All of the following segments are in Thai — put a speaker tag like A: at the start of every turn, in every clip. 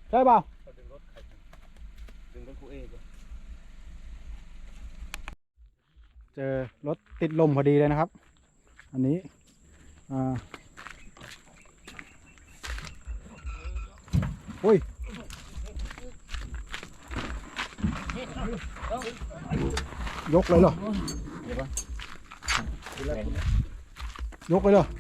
A: ใช่เปล่า
B: ดึงรถครูเอก
A: เจอรถติดลมพอดีเลยนะครับอันนี้อุ้ยยกเลยเหรอยกเลยเหรอ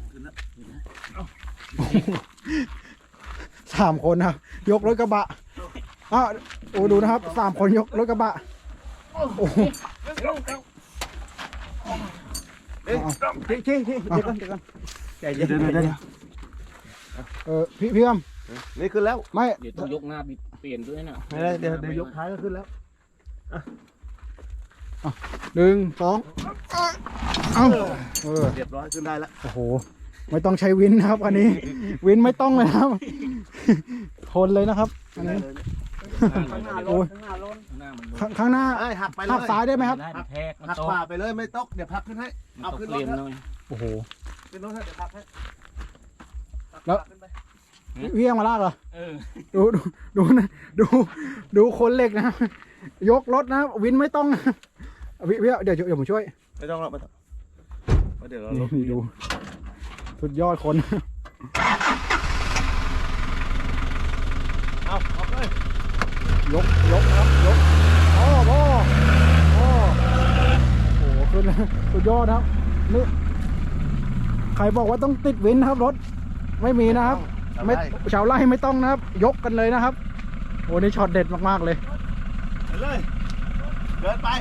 A: 3 คนนะครับยกรถกระบะโอ้ดูนะครับ3 คนยกรถกระบะโอ้โหที่เดี๋ยวก่อนใจเย็นพี่อ้ำ
B: นี่ขึ้นแล้ว
A: ไม่
C: เดี๋ยวต้องยกหน้าเปลี่ยนด้วยนะ
B: ไม่ได้เดี๋ยวยกท้ายก็ขึ้นแล้ว
A: 1 2
B: เรียบร้อยขึ้นได้แล้ว
A: โอ้โหไม่ต้องใช้วินนะครับอันนี้วินไม่ต้องเลยครับทนเลยนะครับอันนี้โอ้ยข้างหน้า
B: หักไปเลย
A: หักซ้ายได้ไหมครับ
C: ได้แทกมัน
B: หัก
C: ตก
B: ขวาไปเลยไม่ตกเดี๋ยวพักขึ้นให้
C: มัน
B: เอา
C: ตก
B: ขึ้น
C: เป
B: รถ
C: ลี่ยน
B: นะ
C: หน่อย
A: โอ้โห
B: ขึ้นรถเดี๋ยวพักให้
A: แล้ว
B: ขึ้นไป
A: พี่ยังมาลากเหรอ
C: เออ
A: ดูคนเหล็กนะยกรถนะวินไม่ต้องนะพี่เดี๋ยวผมช่วย
B: ไม่ต้องหรอกไม่ต้องเดี๋ยวเราลบ
A: นี่ดูสุดยอดคน
B: เอาเลย
A: ยกนะครับยกโอ้โหขึ้นสุดยอดนะครับนี่ใครบอกว่าต้องติดวินนะครับรถไม่มีนะครับไม่ชาวไร่ไม่ต้องนะครับยกกันเลยนะครับโอ้นี่ช็อตเด็ดมากๆเลย
B: ไปเลยเดินไป